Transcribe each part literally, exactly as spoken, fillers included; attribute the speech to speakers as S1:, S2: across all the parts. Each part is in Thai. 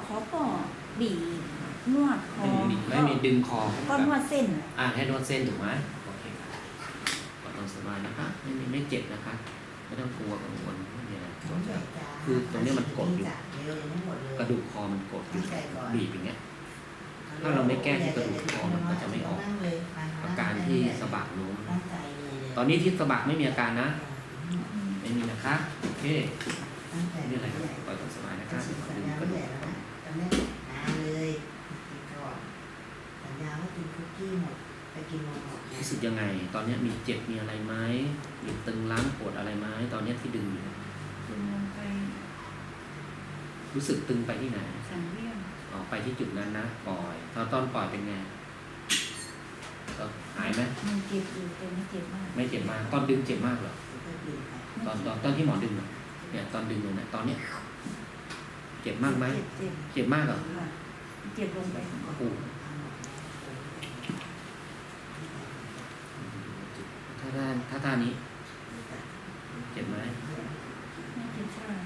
S1: เขาก็บีบนวดคอ
S2: ไม่มีไม่มีดึงคอ
S1: ก็นวดเส้น
S2: อ่าให้นวดเส้นถูกไหมโอเคก็ต้องสบายนะคะไม่มีไม่เจ็บนะคะไม่ต้องกลัวกังวลไม่มีอะไรคือตรงนี้มันกดอยู่กระดูกคอมันกดอยู่บีบอย่างเงี้ยถ้าเราไม่แก้ที่กระดูกคอมันก็จะไม่ออกอาการที่สะบักโน้มตอนนี้ที่สะบักไม่มีอาการนะไม่มีนะคะโอเคไม่มีอะไรครับปล่อยตามสบายนะคะดึงกระดูกคอ
S3: จำได้นานเลยกินก่อนสัญญาว่ากินคุกกี้หมดไปกินนมหมด
S2: รู้สึกยังไง ตอนนี้มีเจ็บมีอะไรไหมมีตึงล้างปวดอะไรไหมตอนนี้ที่ดึงอยู่
S1: ดึงลงไป
S2: รู้สึกตึงไปที่ไหน
S1: สันเวียน
S2: ออกไปที่จุดนั้นนะปล่อยตอนตอนปล่อยเป็นไงก็หายไหม
S1: มันเจ็บอยู่แต่ไม่เจ็บมาก
S2: ไม่เจ็บมากตอนดึงเจ็บมากเหรอตอนตอนตอนที่หมอดึงอะเนี่ยตอนดึงเลยนะตอนเนี้ยเจ็บมากไหม
S1: เจ็บเจ็บ
S2: เจ็บมากเหรอ
S1: ค่ะเจ็บลงไป
S2: โอ้โหถ้าด้านถ้าท่านี้เจ็บไหม
S1: ไม่เจ็บใช่ไหม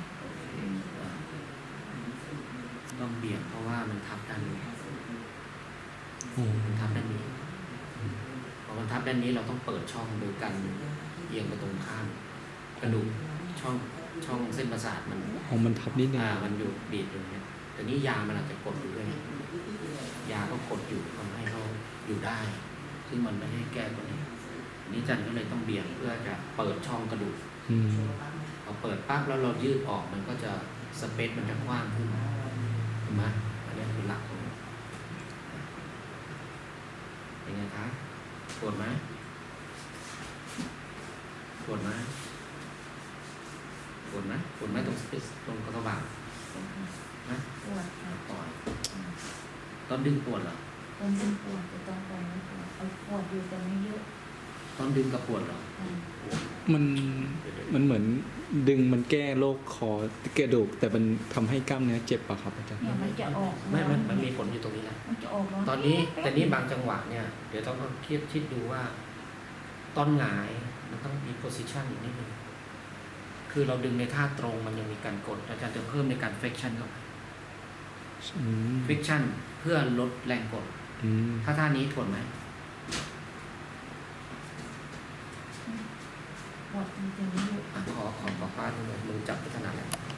S2: ต้องเบี่ยงเพราะว่ามันทับด้านนี้
S4: อืม
S2: มันทับด้านนี้พอมันทับด้านนี้เราต้องเปิดช่องโดยการเอียงไปตรงข้ามกระดูกช่องช่องเส้นประสาทมัน
S4: ของมันทับนิดนึง
S2: อ่ามันอยู่บีบอยู่เนี่ยแต่นี้ยามันอาจจะกดอยู่ด้วยยาก็กดอยู่ทำให้เขาอยู่ได้ ซึ่งมันไม่ได้แก้ตัวนี้อันนี้จันก็เลยต้องเบี่ยงเพื่อจะเปิดช่องกระดูก
S4: อืม
S2: พอเปิดปั๊บแล้วเรายืดออกมันก็จะสเปซมันจะกว้างขึ้นเห็นไหมอันนี้คือหลักของมันเป็นไงคะปวดไหมปวดไหมปวดไหมปวดไหมตรงสเปซตรงกระทบานะ
S1: ปวดค่ะ
S2: ปล่อยตอนดึงปวดเหรอ
S1: ตอนเป็นปวดแต่ตอนปล่อยไม่ปวดเอาปวดอยู่แต่ไม่เยอะ
S2: ตอนดึงกับปวดเหรอ
S1: อืม
S4: มันมันเหมือนดึงมันแก้โรคคอกระดูกแต่มันทำให้กล้ามเนื้อเจ็บปะครับอาจารย์
S1: เนี่ยมันจะออก
S2: ไม่มันมันมีผลอยู่ตรงนี้แหละ
S1: มันจะออก
S2: ตอนนี้แต่นี้บางจังหวะเนี่ยเดี๋ยวต้องคิดคิดดูว่าตอนหงายมันต้องมี position อีกนิดนึงคือเราดึงในท่าตรงมันยังมีการกดอาจารย์จะเพิ่มในการ flexion เข้าไป
S4: อืม
S2: flexion เพื่อลดแรงกด
S4: อืม
S2: ถ้าท่านี้ทนไหม
S1: ปวดจริงๆไม่เยอะ
S2: อ่ะขอขอขอป้าดูหน่อยมือจับพัฒนาแล้ว